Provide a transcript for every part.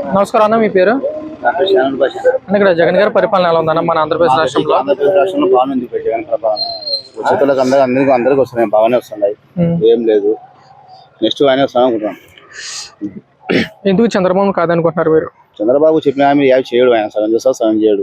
నమస్కారం అన్న, మీ పేరు? ఇక్కడ జగన్ గారి పరిపాలన ఎలా ఉందన్న మన ఆంధ్రప్రదేశ్ రాష్ట్రంలో? ఆంధ్రప్రదేశ్ రాష్ట్రంలో బాగుంది జగన్ పరిపాలన. ఉచితులకు అందరికి వస్తున్నాయి, బాగానే వస్తున్నాయి, ఏం లేదు. నెక్స్ట్ ఆయన వస్తాను అనుకుంటున్నాం. ఎందుకు చంద్రబాబు కాదనుకుంటున్నారు మీరు? చంద్రబాబు చెప్పిన హామీ ఏమి చేయడు, ఆయన సగం చేస్తా సగం చేయడు.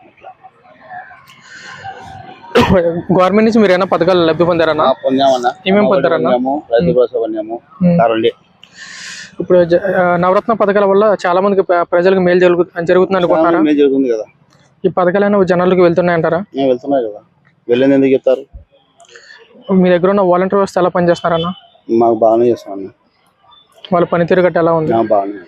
గవర్నమెంట్ నుంచి మీరు ఏమైనా పథకాలు లబ్ధి పొందారన్నా? పొందామన్నా. ఏమేమి పొందారన్నా? రైతు భరోసా పొందాము. ఇప్పుడు నవరత్న పథకాల వల్ల చాలా మందికి ప్రజలకు మేలు జరుగుతుంది అనుకుంటున్నారా? మేలు జరుగుతుంది కదా. ఈ పథకాలైనా జనాలకు వెళ్తున్నాయంటారా? వెళ్తున్నాయి కదా, వెళ్ళేది ఎందుకు చెప్తారు? మీ దగ్గర ఉన్న వాలంటీర్ వ్యవస్థ ఎలా పనిచేస్తున్నారన్న? మాకు బాగానే చేస్తామన్నా. వాళ్ళ పనితీరు గట్ట ఎలా ఉంది?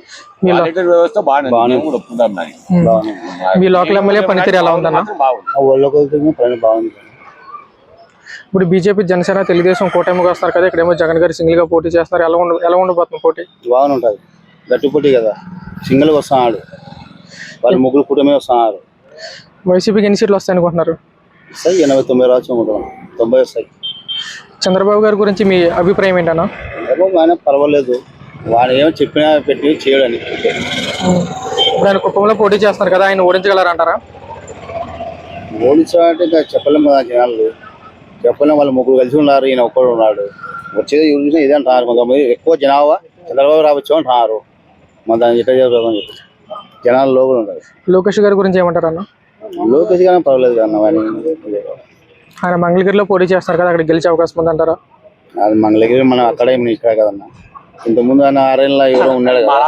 మీ లోకల్ ఎమ్మెల్యే పనితీరు ఎలా ఉందన్న? బాగుంది. ఇప్పుడు బీజేపీ, జనసేన, తెలుగుదేశం కూటమిగా వస్తారు కదా, ఇక్కడేమో జగన్ గారు సింగిల్ గా పోటీ చేస్తారు. ఎలా ఉండబోతుంది పోటీ? బాగుంటుంది, గట్టి పోటీ కదా. సింగిల్ గా వస్తున్నాడు, వాళ్ళు ముగ్గురు కూటమి వస్తున్నారు. వైసీపీకి ఎన్ని సీట్లు వస్తాయి అనుకుంటున్నారు? 89 రావచ్చు, 90 వస్తాయి. చంద్రబాబు గారి గురించి మీ అభిప్రాయం ఏంటన్నా? ఆయన పర్వాలేదు, వాడు ఏమో చెప్పినా పెట్టి చేయడని. ఇప్పుడు ఆయన కుప్పంలో పోటీ చేస్తున్నారు కదా, ఆయన ఓడించగలరంటారా? ఓడించాలంటే ఇంకా చెప్పలేము కదా, జనాలు చెప్పలేము. వాళ్ళు ముగ్గురు కలిసి ఉన్నారు, ఈయన ఒక్కడు ఉన్నాడు. వచ్చేది ఎవరు చూసినా ఇదే అంటున్నారు. కొంతమంది ఎక్కువ జనాభా చంద్రబాబు రావచ్చు అంటున్నారు. మన దాన్ని ఎట్లా జరుగుతుందని చెప్పి జనాలు లోపల ఉంటారు. లోకేష్ గారి గురించి ఏమంటారు అన్న? లోకేష్ గారు పర్వాలేదు కదా, ఆయన మంగళగిరిలో పోటీ చేస్తారు కదా, అక్కడ గెలిచే అవకాశం ఉందంటారా? అది మంగళగిరి మనం అక్కడ ఇక్కడ కదన్నా. ఇంతకుముందు ఆయన ఆరేళ్ళ ఎవరో ఉన్నాడు కదా,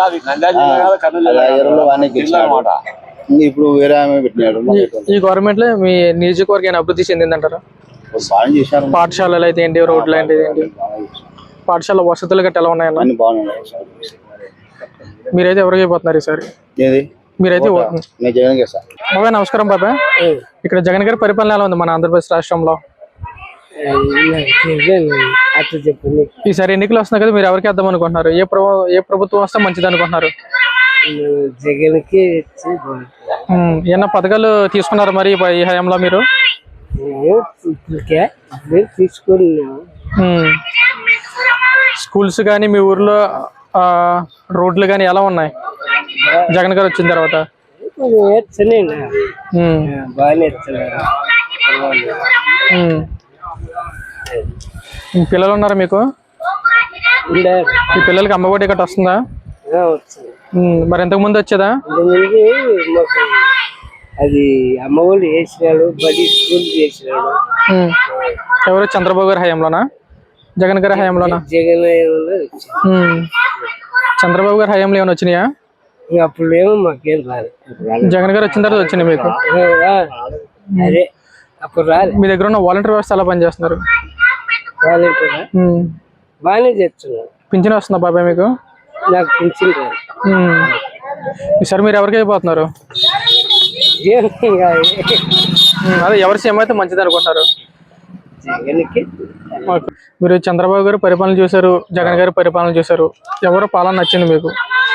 ఇప్పుడు వేరే ఆమె పెట్టినాడు. ఈ గవర్నమెంట్ లో మీ నియోజకవర్గం అభివృద్ధి చెందిందంటారా? బాగా చేశారు. పాఠశాలలు అయితే ఏంటి, రోడ్లు అయితే ఏంటి, పాఠశాల వసతులు గట్ట ఎలా ఉన్నాయన్న? మీరైతే ఎవరికి అయిపోతున్నారు ఈసారి? మీరైతే బాబాయ్ నమస్కారం బాబాయ్. ఇక్కడ జగన్ గారి పరిపాలన ఎలా ఉంది మన ఆంధ్రప్రదేశ్ రాష్ట్రంలో? ఈసారి ఎన్నికలు వస్తున్నాయి కదా, మీరు ఎవరికి వేద్దాం అనుకుంటున్నారు? ఏ ప్రభుత్వం వస్తే మంచిది అనుకుంటున్నారు? జగన్కి ఏమన్నా పథకాలు తీసుకున్నారు మరి ఈ హయాంలో మీరు? స్కూల్స్ కానీ మీ ఊర్లో రోడ్లు కానీ ఎలా ఉన్నాయి జగన్ గారు వచ్చిన తర్వాత? పిల్లలు ఉన్నారా మీకు? ఈ పిల్లలకి అమ్మఒడి గట్ట వస్తుందా? మరి ఎంతకు ముందు వచ్చేదా? అది అమ్మఒడి వేసినాడు, బడి స్కూల్ చేసినాడు. ఎవరు? చంద్రబాబు గారి హయాంలోనా, జగన్ గారి హయాంలోనా? జగన్ చంద్రబాబు గారి హయాంలో ఏమైనా వచ్చినాయా? అప్పుడు ఏమో మాకేం రాదు. జగన్ గారు వచ్చిన తర్వాత వచ్చినాయి మీకు? అదే అప్పుడు రాదు. మీ దగ్గర ఉన్న వాలంటీర్ వ్యవస్థ ఎలా పనిచేస్తున్నారు? వాలంటీర్ బాగానే చేస్తున్నారు. పింఛన్ వస్తుందా బాబాయ్ మీకు? నాకు పింఛన్ రాదు. ఈసారి మీరు ఎవరికి అయిపోతున్నారు? అదే ఎవరి సీఎం అయితే మంచిది అనుకుంటారు? మీరు చంద్రబాబు గారు పరిపాలన చూశారు, జగన్ గారి పరిపాలన చూశారు, ఎవరు పాలన నచ్చింది మీకు?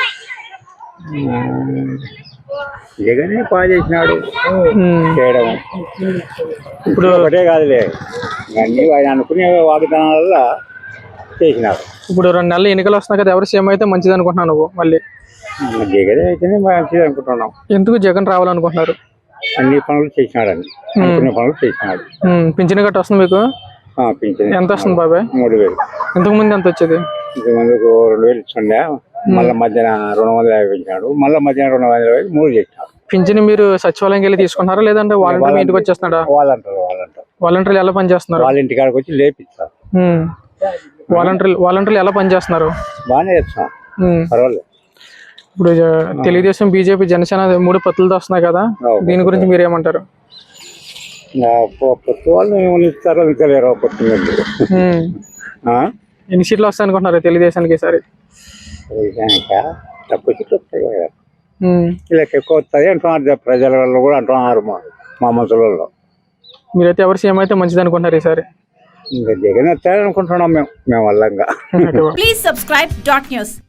జగన్ బాగా చేసినాడు చేయడం. ఇప్పుడు ఒకటే కాదులే, అన్ని ఆయన అనుకునే వాగ్దానాల వల్ల చేసినాడు. ఇప్పుడు 2 నెలలు ఎన్నికలు వస్తున్నాయి కదా, ఎవరు సీఎం అయితే మంచిది అనుకుంటున్నావు నువ్వు? మళ్ళీ జగన్ అయితేనే మంచిది అనుకుంటున్నాం. ఎందుకు జగన్ రావాలనుకుంటున్నారు? అన్ని పనులు చేసినాడని, అనుకునే పనులు చేసినాడు. పింఛన్ గట్ట వస్తుంది మీకు? పింఛన్ ఎంత వస్తుంది బాబాయ్? 3000. ఇంతకు ముందు ఎంత వచ్చేది? ఇంతకుముందుకు 2000 ఇచ్చిండే, మళ్ళీ మధ్యాహ్న 250 పెంచినాడు, మళ్ళీ మధ్యాహ్నం 250 3 చేసినాడు. పింఛన్ మీరు సచివాలయంకి వెళ్ళి తీసుకుంటారా లేదంటే వాలంటీర్ ఇంటికి వచ్చేస్తున్నాడా? వాలంటీర్లు ఎలా పనిచేస్తున్నారు? వాళ్ళ ఇంటికాడికి వచ్చి లేపిస్తారు. వాలంటీర్లు ఎలా పనిచేస్తున్నారు? బాగానే చేస్తున్నారు, పర్వాలేదు. ఇప్పుడు తెలుగుదేశం, బీజేపీ, జనసేన 3 పొత్తులతో వస్తున్నాయి కదా, దీని గురించి మీరు ఏమంటారు? పొత్తు వాళ్ళు ఏమైనా ఇస్తారో ఇంకా లేరు. పొత్తు ఎన్ని సీట్లు వస్తాయి అనుకుంటున్నారు తెలుగుదేశానికి ఈసారి? తక్కువ సీట్లు వస్తాయి కదా, ఇలా ఎక్కువ వస్తాయి అంటున్నారు ప్రజల కూడా అంటున్నారు, మా మనుషులలో. మీరైతే ఎవరు సీఎం అయితే మంచిది అనుకుంటున్నారు ఈసారి? ఇంకా జగన్ వస్తాయని అనుకుంటున్నాం మేము వల్ల. Please subscribe dot news.